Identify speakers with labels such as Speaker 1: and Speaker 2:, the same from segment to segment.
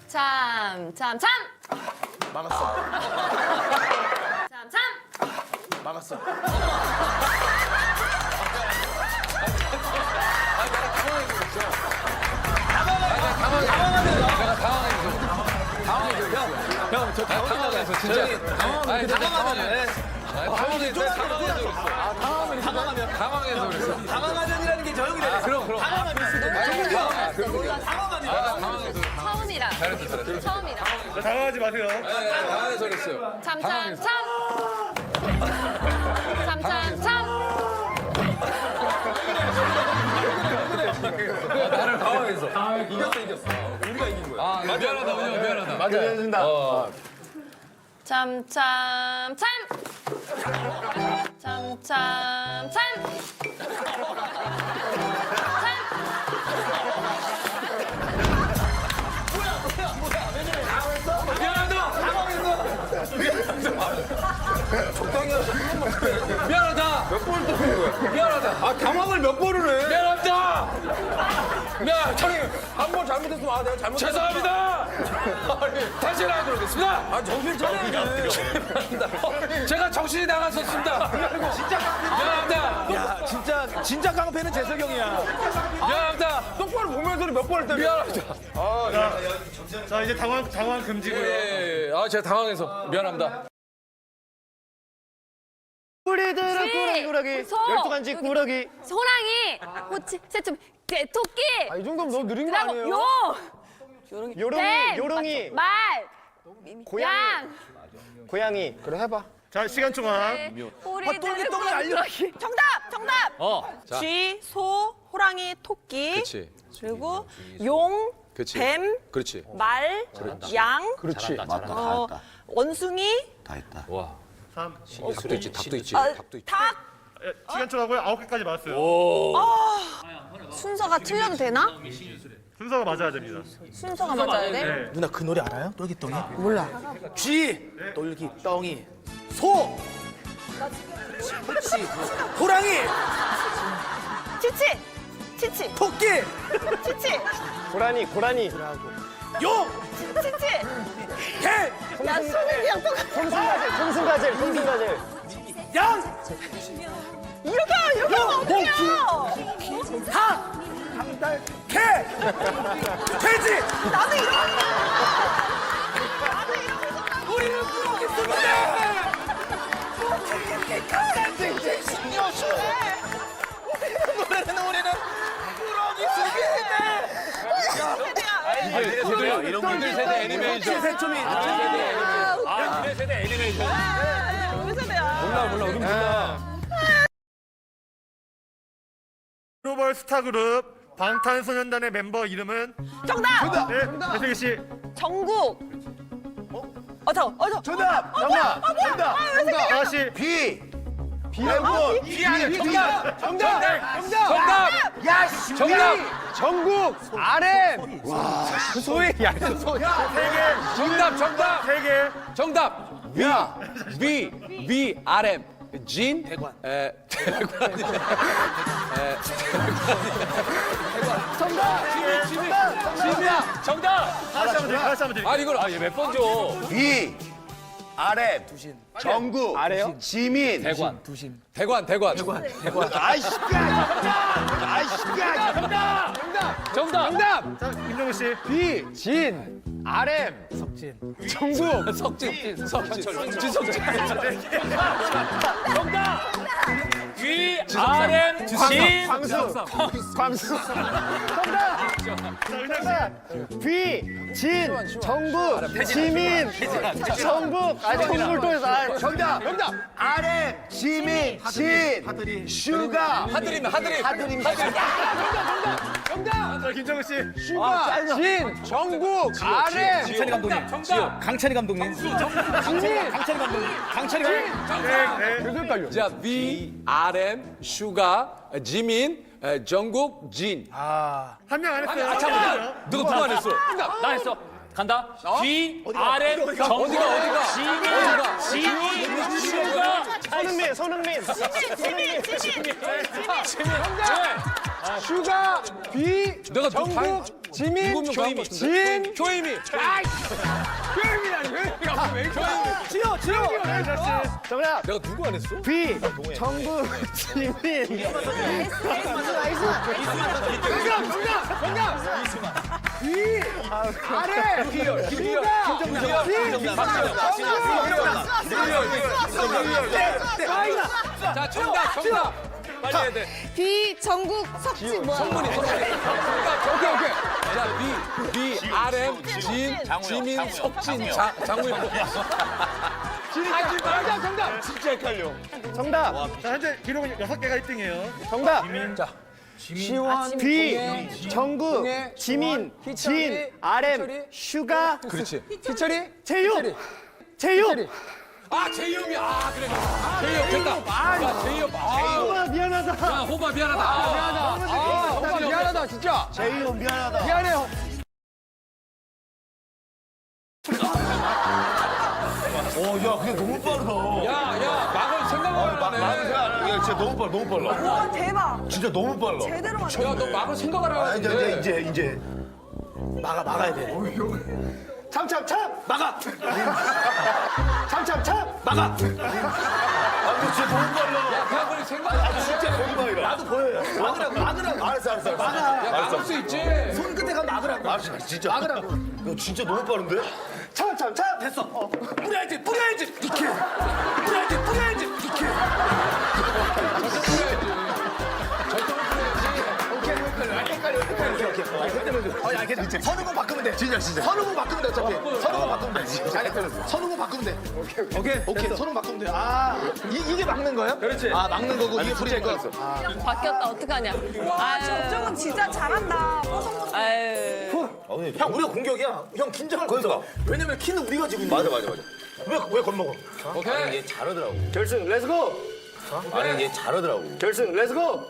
Speaker 1: 참.
Speaker 2: 막았어.
Speaker 1: 참.
Speaker 2: 막았어.
Speaker 3: 형, 저 당황해서 진짜. 당황해서 그랬어.
Speaker 4: 당황하면이라는 게 저 형이래.
Speaker 3: 그럼. 당황해서.
Speaker 1: 처음이라.
Speaker 3: 잘했어.
Speaker 1: 처음이라.
Speaker 2: 당황하지 마세요.
Speaker 3: 당황해서 그랬어요.
Speaker 1: 참.
Speaker 3: 나를 당황해서. 이겼어. 우리가 이긴 거야. 미안하다, 은영 미안하다.
Speaker 2: 맞아. 해준다.
Speaker 1: 참.
Speaker 3: 미안하다. 몇 번을 떠는 거야? 미안하다.
Speaker 4: 아, 당황을 몇 번을 해?
Speaker 3: 미안합니다. 형님,
Speaker 4: 한 번 잘못했으면 내가 잘못했어.
Speaker 3: 죄송합니다. 다시 하도록 하겠습니다.
Speaker 4: 아, 정신 차려.
Speaker 3: 제가 정신이 나갔었습니다. 미안합니다.
Speaker 4: 야, 진짜 깡패는 재석이 형이야.
Speaker 3: 미안합니다.
Speaker 4: 똑바로 보면서 몇 번을 때려.
Speaker 3: 미안합니다.
Speaker 2: 자, 이제 당황 금지고요.
Speaker 3: 예. 제가 당황해서 미안합니다.
Speaker 1: 우리들은
Speaker 2: 꾸러기.
Speaker 1: 소.
Speaker 2: 12간지 꾸러기.
Speaker 1: 호랑이. 호치. 새춤. 토끼.
Speaker 2: 이 정도면 너무 느린 거
Speaker 1: 그다음
Speaker 2: 아니에요?
Speaker 1: 뱀.
Speaker 2: 요롱이.
Speaker 1: 말. 양.
Speaker 2: 고양이. 그래, 해봐. 자, 시간 총합.
Speaker 1: 우리들은
Speaker 4: 떡을 알려.
Speaker 5: 정답.
Speaker 3: 자.
Speaker 5: 쥐, 소, 호랑이, 토끼.
Speaker 3: 그렇지.
Speaker 5: 그리고 용,
Speaker 3: 그렇지.
Speaker 5: 뱀,
Speaker 3: 그렇지.
Speaker 5: 말, 양,
Speaker 2: 그렇지.
Speaker 5: 원숭이,
Speaker 3: 와.
Speaker 2: 3.
Speaker 3: 닭도 있지. 닭도 있지.
Speaker 5: 어,
Speaker 3: 닭도 있지.
Speaker 5: 닭.
Speaker 2: 시간 총하고요. 9개까지 맞았어요.
Speaker 1: 순서가 틀려도 되나?
Speaker 2: 순서가 맞아야 됩니다.
Speaker 1: 순서가 맞아야 돼?
Speaker 2: 네.
Speaker 4: 누나 그 노래 알아요? 똘기덩이? 몰라. 쥐, 똘기덩이. 소. 그렇지. 호랑이,
Speaker 5: 치치,
Speaker 4: 토끼,
Speaker 5: 치치,
Speaker 2: 고라니.
Speaker 4: 용,
Speaker 5: 치치.
Speaker 4: 개,
Speaker 1: 야, 수빈이랑 똑같아.
Speaker 2: 송순가젤.
Speaker 4: 양,
Speaker 5: 이렇게 하면 어떡해요?
Speaker 4: 닭, 개, 돼지.
Speaker 5: 나도 이런
Speaker 4: 우리는 꾸러기 우리는 꾸러기 수비대.
Speaker 3: 이들 세대 애니메이션.
Speaker 4: 새초미.
Speaker 3: 이들 세대 애니메이션.
Speaker 5: 우리 세대야.
Speaker 3: 몰라. 우리 몰라.
Speaker 2: 글로벌 스타 그룹 방탄소년단의 멤버 이름은?
Speaker 5: 정답.
Speaker 2: 네, 배승희 씨.
Speaker 5: 정국.
Speaker 4: 정답.
Speaker 2: 다시.
Speaker 4: 멤버.
Speaker 3: 정답.
Speaker 4: 야, 씨.
Speaker 3: 정답.
Speaker 2: 정국. RM.
Speaker 4: 그 소리. 야, 소리.
Speaker 3: 정답.
Speaker 2: 3개.
Speaker 3: 정답. 위 RM 진 대관. 진이야. 정답.
Speaker 2: 다시 한번 드릴게요.
Speaker 3: 아니 이걸 얘 몇 번 줘?
Speaker 6: 위, 아래, 정국, 지민,
Speaker 3: 대관.
Speaker 6: 아이씨,
Speaker 3: 정답.
Speaker 2: 자, 김정우 씨.
Speaker 3: 석진. 정답. 위 RM 진
Speaker 2: 광수. 자, 은영 씨.
Speaker 6: 정국, 지민, 정국, 정국을 또 해서 정답, 아래, 지민, 진, 슈가,
Speaker 3: 하드림.
Speaker 2: 자, 김정우 씨.
Speaker 6: 슈가, 진, 정국, 아래,
Speaker 4: 강찬이 감독님.
Speaker 2: 네.
Speaker 3: 자, 위 RM 슈가 지민 정국 진.
Speaker 2: 한 명 안 했어요.
Speaker 3: 잠깐만. 누구 안 했어?
Speaker 7: 나 했어. 간다. G, RM, 정국, 지민, 슈가.
Speaker 2: 손흥민.
Speaker 3: 슈가 비 정국
Speaker 6: 지민,
Speaker 3: 조이미.
Speaker 6: 진,
Speaker 3: 조이미.
Speaker 6: 지효. 정답.
Speaker 3: 내가 누구 안 했어?
Speaker 6: B. 정국, 지민. 정답. B. 아래.
Speaker 3: 자, 정답. 빨리 해야 돼.
Speaker 1: B 정국 석지 뭐야?
Speaker 3: 성문이. 오케이. 자, B, RM, 진, 지민, 석진, 장우영.
Speaker 6: 정답.
Speaker 2: 진짜 헷갈려.
Speaker 6: 정답.
Speaker 2: 자, 현재 기록은 6개가 1등이에요.
Speaker 6: 정답.
Speaker 3: 자,
Speaker 6: 시원, B, 정국, 지민, 진, RM, 슈가,
Speaker 3: 그렇지.
Speaker 6: 제육.
Speaker 3: 아, 제이홉이. 아, 그래. 제이홉 됐다. 야, 제이홉.
Speaker 6: 호바 미안하다.
Speaker 3: 야, 호바 미안하다.
Speaker 6: 호바 미안하다 진짜. 제육 미안하다. 미안해.
Speaker 4: 야, 근데 너무 빠르다.
Speaker 3: 야, 막을 생각을 안 하네.
Speaker 4: 야, 진짜 너무 빨라.
Speaker 5: 와 대박.
Speaker 4: 진짜 너무 빨라.
Speaker 5: 제대로 맞췄네.
Speaker 3: 야, 너 막을 생각을 안
Speaker 4: 아,
Speaker 3: 하는데.
Speaker 4: 이제. 막아야 돼.
Speaker 6: 참참참 막아.
Speaker 4: 참참참. 막아. 아, 근데 진짜 너무 빨라.
Speaker 3: 야, 그냥 그렇게 생각을 안 해.
Speaker 4: 진짜 너무 빨라. 나도 보여요. 막으라고. 알았어.
Speaker 3: 야, 막을 수 있지.
Speaker 6: 손끝에 가면 막으라고.
Speaker 4: 알았어, 진짜. 막으라고. 너 진짜 너무 빠른데?
Speaker 6: 참참참 됐어. 뿌려야지. 이렇게. 뿌려야지. 이렇게.
Speaker 4: 오케이. 선우공 바꾸면 돼. 진짜. 선우공 바꾸면 돼, 어차피. 선우공 바꾸면 돼. 선우공 바꾸면 돼. 오케이. 선우공 바꾸면 돼. 아, 이게 막는 거예요? 그렇지. 아, 막는 거고 이게 불리할 거였어.
Speaker 1: 바뀌었다 어떡하냐? 아
Speaker 5: 정국은 진짜 잘한다. 뽀송뽀송.
Speaker 1: 아유.
Speaker 4: 형, 우리가 공격이야. 형, 긴장할 거니까. 왜냐면 키는 우리가 지금. 맞아. 왜 겁먹어?
Speaker 3: 오케이.
Speaker 4: 아니, 얘 잘하더라고.
Speaker 6: 결승 렛츠고.
Speaker 4: 아니, 얘 잘하더라고.
Speaker 6: 결승 렛츠고.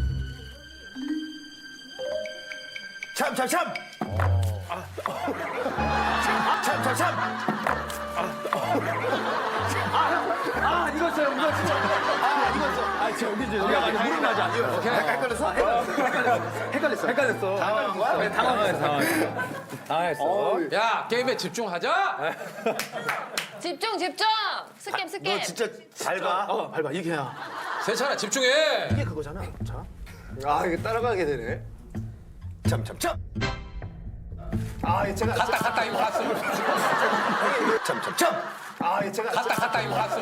Speaker 4: 참. 참.
Speaker 6: 아 이겼어요. 무릎 맞아. 헷갈렸어. 당황했어.
Speaker 3: 야, 게임에 집중하자.
Speaker 1: 집중. 스캠.
Speaker 4: 너 진짜 잘 가.
Speaker 6: 밟아 이게 야.
Speaker 3: 세찬아, 집중해.
Speaker 6: 이게 그거잖아. 자. 아 이게 따라가게 되네.
Speaker 4: 참.
Speaker 6: 아 이게 제가
Speaker 3: 갔다, 이거 갔어.
Speaker 4: 참.
Speaker 6: 아 이게 제가
Speaker 3: 갔다, 이거 갔어.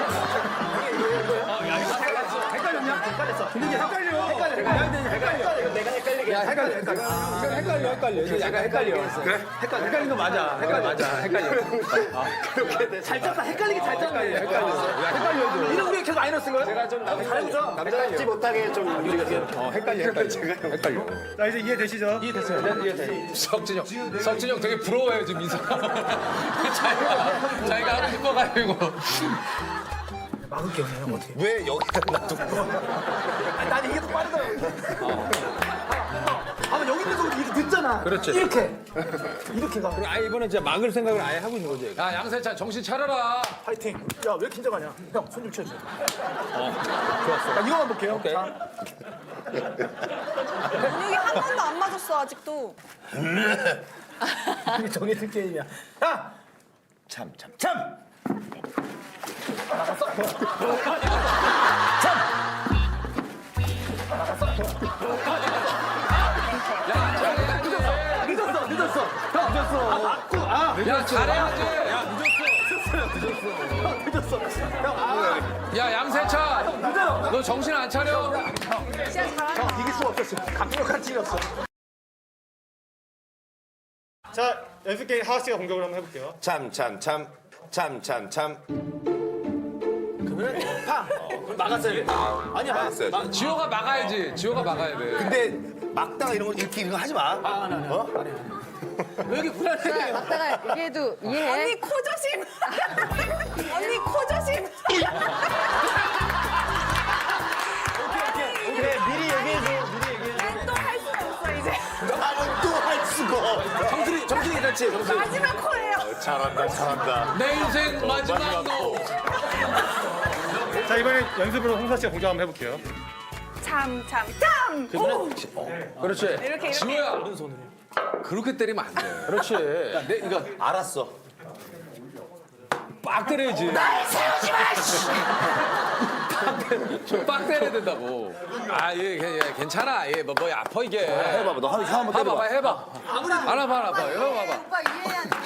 Speaker 6: 헷갈렸냐? 헷갈렸어. 근데 이게 헷갈려. 내가 헷갈리게. 야 헷갈려. 이거 제가 헷갈려. 그래? 헷갈린 거 맞아. 헷갈려. 그렇게 돼. 잘 짰다. 헷갈리게 잘 짰네. 헷갈려. 이런 우리가 계속 마이너스인 거야? 제가 좀 잘해보자. 남자답지 못하게 좀 우리가 헷갈려. 제가 헷갈려.
Speaker 2: 자, 이제 이해되시죠?
Speaker 3: 석진형 되게 부러워요, 지금 민서. 자기가 하고 싶어가지고.
Speaker 6: 막을게 형 어떻게?
Speaker 4: 왜 여기다 놔두고.
Speaker 6: 난 이게 더 빠르더라고. 아 여기 있는 거 이렇게 듣잖아.
Speaker 3: 그렇지.
Speaker 6: 이렇게 가.
Speaker 2: 아, 이번엔 진짜 막을 생각을 아예 하고 있는 거지.
Speaker 3: 야, 양세찬 정신 차려라.
Speaker 6: 파이팅. 야 왜 긴장하냐? 형 손 좀 쳐줘. 좋았어. 나 이거만 볼게요. 오케이.
Speaker 5: 근육이 한 번도 안 맞았어 아직도.
Speaker 6: 이게 정해진 게임이야. 야.
Speaker 4: 참.
Speaker 6: 늦었어. 형 늦었어.
Speaker 3: 야, 잘해야지.
Speaker 6: 늦었어. 형
Speaker 3: 야, 양세찬. 너 정신 안 차려?
Speaker 5: 진짜 잘한다.
Speaker 6: 이길 수가 없었어. 강력한 찔렸어.
Speaker 2: 자, 연습 게임 하하 씨가 공격을 한번 해볼게요.
Speaker 4: 참.
Speaker 6: 그러면 파. 막았어야 돼. 아니야.
Speaker 4: 막았어야지.
Speaker 3: 지호가 막아야지. 지호가 막아야 돼.
Speaker 4: 근데 막다가 이런 거 하지 마.
Speaker 6: 왜 이렇게 불안해?
Speaker 1: 맞다가 얘기해도 이해해.
Speaker 5: 언니 코 조심. 언니 코 조심.
Speaker 6: 오케이. 미리 얘기해줘.
Speaker 5: 또 할 수가 없어 이제.
Speaker 4: 나는 또 할 수가.
Speaker 6: 정신이 괜찮지?
Speaker 5: 마지막 코예요.
Speaker 4: 잘한다.
Speaker 3: 내 인생 마지막 노.
Speaker 2: 자, 이번엔 연습으로 홍사 씨가 공격 한번 해볼게요.
Speaker 5: 참.
Speaker 3: 그렇지.
Speaker 5: 이렇게.
Speaker 3: 지호야. 오른손으로. 그렇게 때리면 안 돼.
Speaker 6: 그렇지.
Speaker 4: 이거 알았어.
Speaker 3: 빡 때려야지. 날 세우지 마! 빡 때려야 된다고. 아, 예, 괜찮아. 예, 뭐 아파 이게.
Speaker 4: 해봐봐. 너 한번 때려봐.
Speaker 3: 해봐. 알아봐. 이거 봐봐.
Speaker 5: 오빠 이해해야 돼.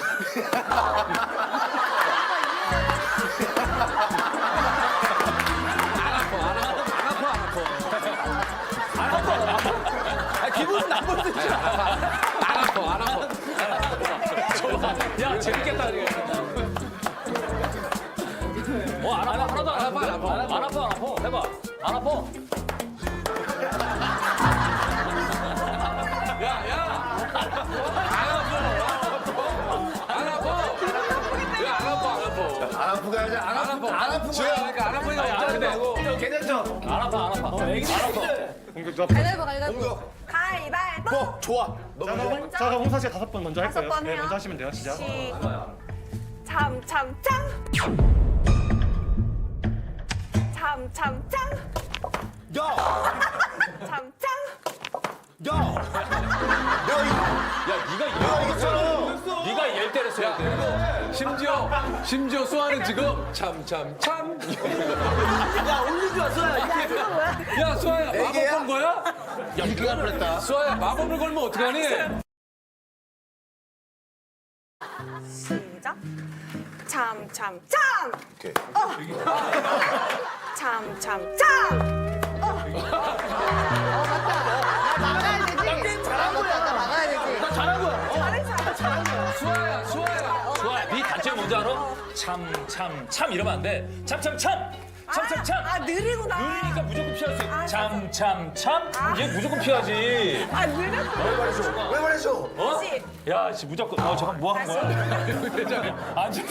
Speaker 6: 기분은 나쁜데.
Speaker 3: 안 아파.
Speaker 7: 야 재밌겠다 이게. 안 아파 하나도 안 아파. 안 아파. 해봐. 안 아파.
Speaker 4: 안 아프게 하자. 안 아프게.
Speaker 3: 지호야, 그러니까 안 아프니까 걱정인데.
Speaker 4: 괜찮죠?
Speaker 7: 안 아파.
Speaker 2: 공격 좋아.
Speaker 5: 가위바위보.
Speaker 4: 좋아.
Speaker 2: 자, 그럼 홍사 씨가 5번 먼저 할 거예요.
Speaker 5: 번
Speaker 2: 네,
Speaker 5: 해요.
Speaker 2: 먼저 하시면 돼요. 시작.
Speaker 5: 참.
Speaker 4: 야!
Speaker 5: 참.
Speaker 4: 야!
Speaker 7: 네가 얘를 때렸어야 돼.
Speaker 3: 심지어 수아는 지금 참.
Speaker 6: 야, 올리지 마, 소야.
Speaker 3: 야, 수아야, 마법
Speaker 4: 애기야?
Speaker 3: 건 거야?
Speaker 4: 야, 이렇게 갈 뻔했다.
Speaker 3: 수아야, 마법을 걸면 어떡하니?
Speaker 5: 시작. 참.
Speaker 4: 오케이.
Speaker 5: 참.
Speaker 1: 막아야 되지.
Speaker 4: 잘한 거야.
Speaker 1: 나 막아야 되지.
Speaker 6: 나 잘한 거야.
Speaker 3: 수아야.
Speaker 7: 좋아. 네 단체 뭔지 알아? 참 이러면 안 돼. 참.
Speaker 5: 느리구나.
Speaker 7: 느리니까 무조건 피할 수 있어. 참. 얘 무조건 피하지.
Speaker 5: 느렸어.
Speaker 4: 왜 말해줘?
Speaker 7: 어?
Speaker 5: 씨.
Speaker 7: 야, 씨 무조건. 잠깐 뭐 하는 거야? 안 돼.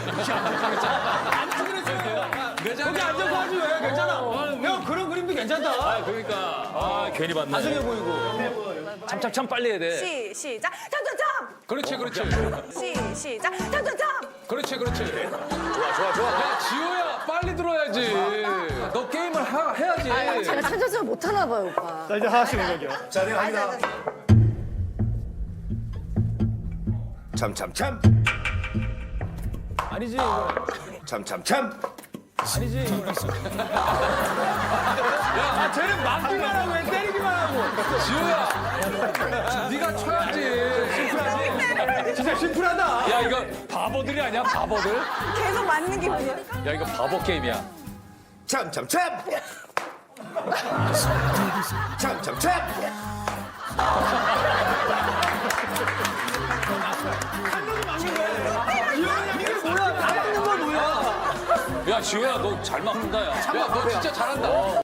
Speaker 6: 거기 앉아서 하지 왜? 괜찮아. 형, 그런 그림도 괜찮다.
Speaker 7: 그러니까 괜히 봤네.
Speaker 6: 나중에 보이고.
Speaker 7: 참 빨리 해야 돼.
Speaker 5: 시작. 참.
Speaker 3: 그렇지.
Speaker 5: 시작.
Speaker 3: 그렇지. 좋아. 야, 지호야, 빨리 들어야지. 너 게임을 해야지.
Speaker 1: 제가 찾아서 못 하나 봐요, 오빠.
Speaker 2: 자, 이제 하나씩 공격이요.
Speaker 4: 자, 내가 합니다. 참.
Speaker 6: 아니지, 이거.
Speaker 4: 참.
Speaker 6: 아니지, 이거. 야, 쟤는 막기만 하고 왜 때리기만 하고.
Speaker 3: 지호야, 네가 쳐야지.
Speaker 6: 진짜 심플하다.
Speaker 7: 야, 이거 바보들이 아니야? 바보들?
Speaker 5: 계속 맞는 기분이야.
Speaker 7: 야, 이거 바보 게임이야.
Speaker 4: 참.
Speaker 6: 이게 뭐야? 다 막는 건 뭐야?
Speaker 7: 야, 지호야, 너 잘 맞는다, 야.
Speaker 3: 야, 너 진짜 잘한다.